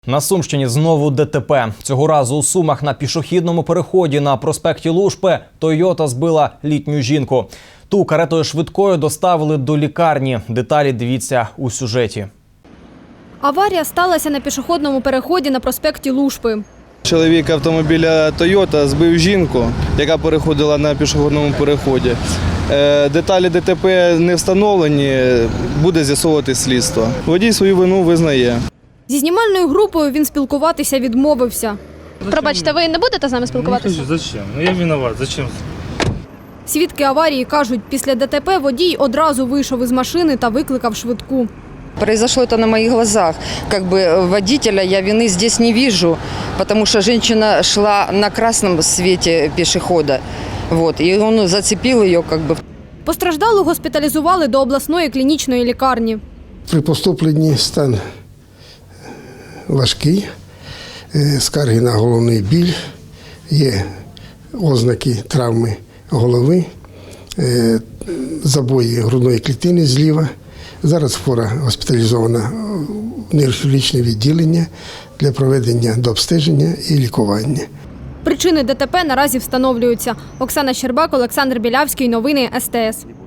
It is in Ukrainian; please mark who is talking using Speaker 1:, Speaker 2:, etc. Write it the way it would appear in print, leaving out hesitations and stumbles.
Speaker 1: На Сумщині знову ДТП. Цього разу у Сумах на пішохідному переході на проспекті Лушпи «Тойота» збила літню жінку. Ту каретою швидкою доставили до лікарні. Деталі дивіться у сюжеті.
Speaker 2: Аварія сталася на пішохідному переході на проспекті Лушпи.
Speaker 3: Чоловік автомобіля «Тойота» збив жінку, яка переходила на пішохідному переході. Деталі ДТП не встановлені, буде з'ясовувати слідство. Водій свою вину визнає.
Speaker 2: Зі знімальною групою він спілкуватися відмовився. Пробачте, ви не будете з нами спілкуватися?
Speaker 4: Не хочу, зачем? Ну я виноват, зачем?
Speaker 2: Свідки аварії кажуть, після ДТП водій одразу вийшов із машини та викликав швидку.
Speaker 5: Произошло это на моих глазах. Как бы водителя я вины здесь не вижу, потому что женщина шла на красном свете пешехода. Вот, и он зацепил ее как бы.
Speaker 2: Постраждалу госпіталізували до обласної клінічної лікарні.
Speaker 6: При поступленні стан важкий, скарги на головний біль, є ознаки травми голови, забої грудної клітини зліва. Зараз хвора госпіталізована в нейрохірургічне відділення для проведення дообстеження і лікування.
Speaker 2: Причини ДТП наразі встановлюються. Оксана Щербак, Олександр Білявський. Новини СТС.